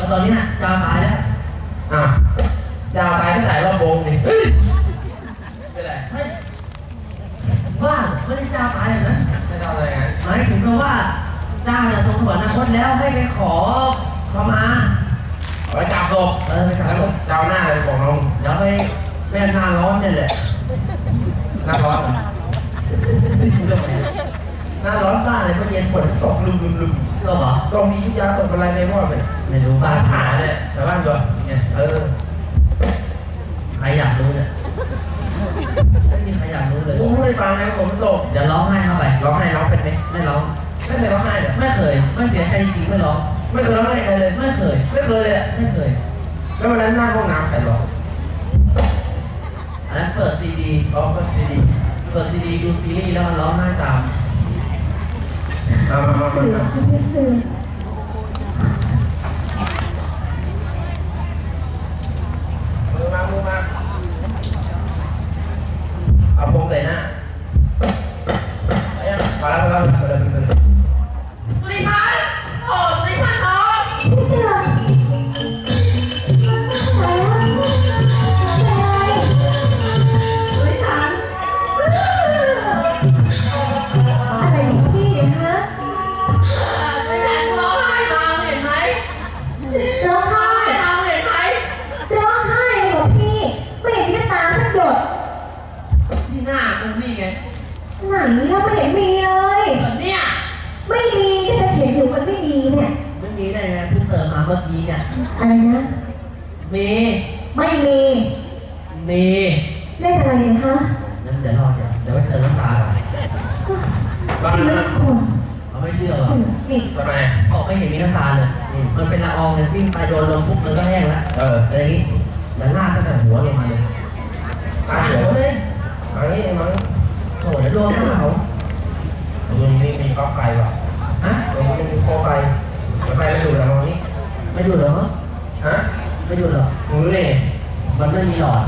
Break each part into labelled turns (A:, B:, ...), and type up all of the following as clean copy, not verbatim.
A: ตอนนี้เจ้าตายแล้ว
B: เจ้าตายก็จ่ายรอบวงดิเป็นไร
A: ว่าไม่ได้เจ้าตายเลยนะ
B: ไม่ทำอะไรไง
A: หมายถึงว่าเจ้าเนี่ยทรงสวรรคตแล้วให้ไปขอขมา
B: ไปจับศพ
A: ไปจับศพ
B: เจ้าหน้าเลยบอกน้อง
A: เดี๋ยวไปหน้าร้อนนี่แหละ
B: หน้าร้อนหน้าร้อนฟ้าเลยเมื่อเย็นฝนตกลืม
A: เหรอ
B: ตรงนี้ยุยาตกอะไรในหม้อเลย
A: ไม่รู้
B: ฟ้าผ่าเนี่ยแต่บ้านตัวเนี่ย
A: ใครอยากรู้เนี่ยไม่มีใครอยากรู้เลย
B: ผมไม่ฟังนะผมตก
A: เดี๋ยวร้องไห้เข้าไป
B: ร้องไห้ร้องเป็นไหม
A: ไม่ร้อง
B: ไม่เคยร้องไห้เลย
A: ไม่เคยไม่เสียใจจริงไม่ร้อง
B: ไม่เคยร้องไห้ใครเลย
A: ไม่เคย
B: เลย
A: ไม่เคย
B: แล้ววันนั้นหน้าห้องน้ำใครร้อง
A: อันนั้นเปิดซีดี
B: เปิดซีดี
A: ดูซีรีส์แล้วมันร้องไห้ตาม
B: มา
C: สื่อไม่สื่อ
B: มือมาเอาพงเลยนะไปยังมาแล้ว
A: สุริชันโอ้สุริชันน้อง
C: พี่เสืออะไรของพี่ฮะ
A: ไม่อยากร้องไห้มาเห็นไหม
C: ร้องไห้
A: มาเห็นไหม
C: ร้องไห้เลยของพี่ไม่เห็นมีน้ำตาสักหยด
A: ที่หน้ากูนี่ไง
C: ไหนเราไม่เห็นมีเลย
A: เนี่ย
C: ไม่มีจะเห็นอยู่มันไม่มีเนี่ย
A: ไม่มีได้ไงเพิ่งเติมมาเมื่อกี้เนี่ย
C: อะไรนะ
A: มี
C: ไม่มี
A: มี
C: เล่นอะไรเนี่ยฮะ
A: นั่นเดี๋ยวรอเดี๋ยวไปเติมน้ำตาก่อน
C: บ้าคน
A: เขาไม่เชื่อหรอ
C: นี่
B: ทำไม
A: ออกไม่เห็นมีน้ำตาเลยมันเป็นละอองเลยวิ่งไปโดนลมปุ๊บมันก็แห้งแล้วอะไรอย่างนี้แล้วลากตั้งแต่หัวลงมาเลย
B: ลากหัวเลยอันนี้มัน
A: โอ้ยรวมเขา
B: ตรงนี้มีก๊อกไฟป่ะตรงนี้มีโคไฟไฟไม่ดูแล้วตรงนี้
A: ไม่ดูเหรอไม่ดูหรอ
B: มือนี่
A: มันไม่มีหลอด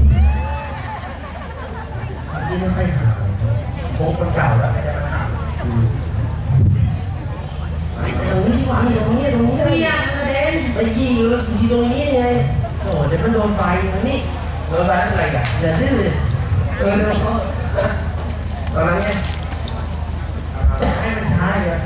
A: ที่ไม่ค่อยหา
B: โค้งคนเก่าแล้วไม่ได้มาถาม
A: ตรงนี้ที่วางตรงนี้เปียกกระเด็นไปยิงแล้วยิงตรงนี้ไงโอ้เดี๋ยวมันโดนไฟตรงนี้
B: โดนไฟอะไรกัน
A: อย่าดื้อ
B: ตอนนั้นไง
A: ให้มันช้าเลย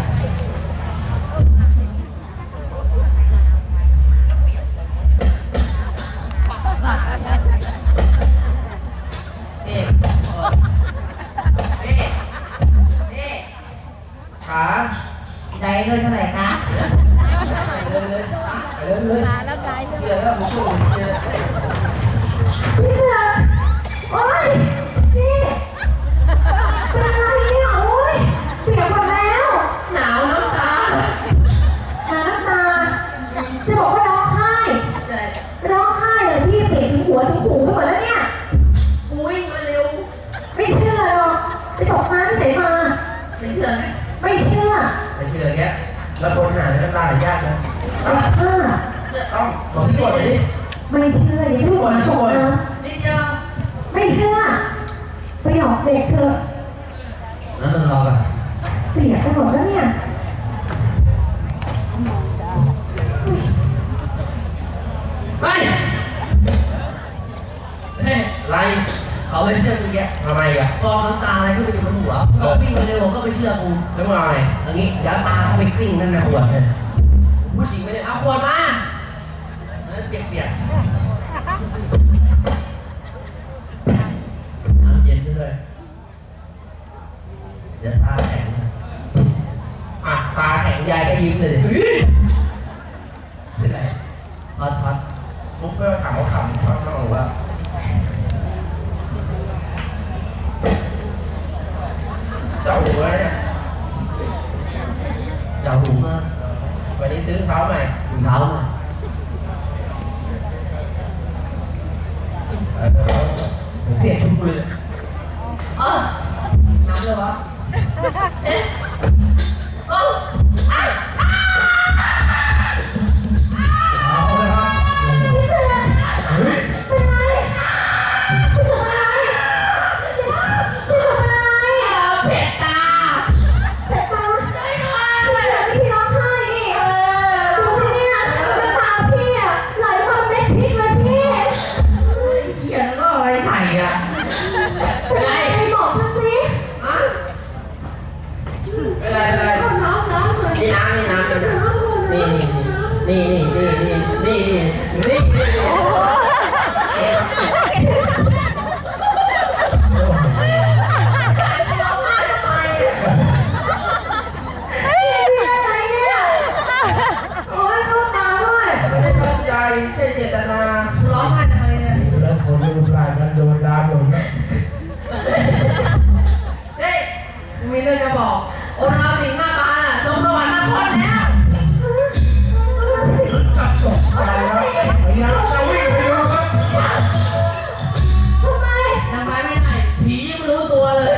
B: ขา
C: ได้เลยเท่าไหร่คะ
B: เลยแล้วไกลเยอะแล้วผมช่วย
C: พี่เสือโอ๊ยนี่เป็นอะไรเนี่ยโอ๊ยเปียกหมดแล้ว
A: หนาวน้ำตา
C: จะบอกว่าร้องไห้เลยพี่เปียกถึงหัวถึงหูไปหมดแล้วเนี่ย
A: อุ้ยมาเร็ว
C: ไม่เชื่อหรอกไปตกน้ำที่ไหนมา
A: ไม่เชื่อไหม
C: ไม่เชื่อ
B: แกแล้วคนหาน้ำตาไหลยากนะต้องบอกที่ก่อนดิ
C: ไม่เชื่ออย่าพูดก่อนนะ
A: นิดเดียว
C: ไม่เชื่อไปหลอกเด็กเถอะ
A: แล้วมันรอกัน
C: เปียกไปหมดแล้วเนี่ย
A: เฮ้ย
B: ไร
A: เขาไม่เชื่อกูแก
B: ทำไมอ่ะ
A: กองน้ำตาอะไรก็ไปอยู่บนหัวก็วิ่งมาเร็วก็ไปเชื่อกู
B: แล้วมึงอะไร
A: อย่างนี้เดี๋ยวตาเขาไปกลิ้งนั่นนะขวดเลยพูดจริงไม่ได้เอาขวดมาแล้วเปียกน้ำเย็นด้วยเดี๋ยวตาแข็ง
B: ตาแข็งยายก็ยิ้มเลย
A: เป็นไรทอด
B: ปุ๊บก็ถามว่าขำเขาต้องบอกว่าเจ้าหัวเนี่ย
A: เจ้าหูมาก
B: วันนี้ซื้อเท้าใหม่
A: ถุงเท้าใหม่
B: เปลี่ยนชุดเลย
A: น้ำเลยวะเอ๊ะ
C: เ
A: นี่
C: นี่อะไรเนี่ยโอ้ยเข้าตาด้วย
B: ไม่ได้ตั้งใจแค่เจตนา
A: ร้องไห้ทำไมเนี่ย
B: แล้วคนรูปร่างกันโดนด่าหมดนะ
A: เฮ้ยมีเรื่องจะบอกโอ้เราสิงห์หน้าตาลงสวรรค์นครแล้ว
B: จับตกใจแล้วไอ้ยังจะวิ่งไปดูครับ
C: ทำไม
A: ยังไปไม่ได้ผียังไม่รู้ตัวเลย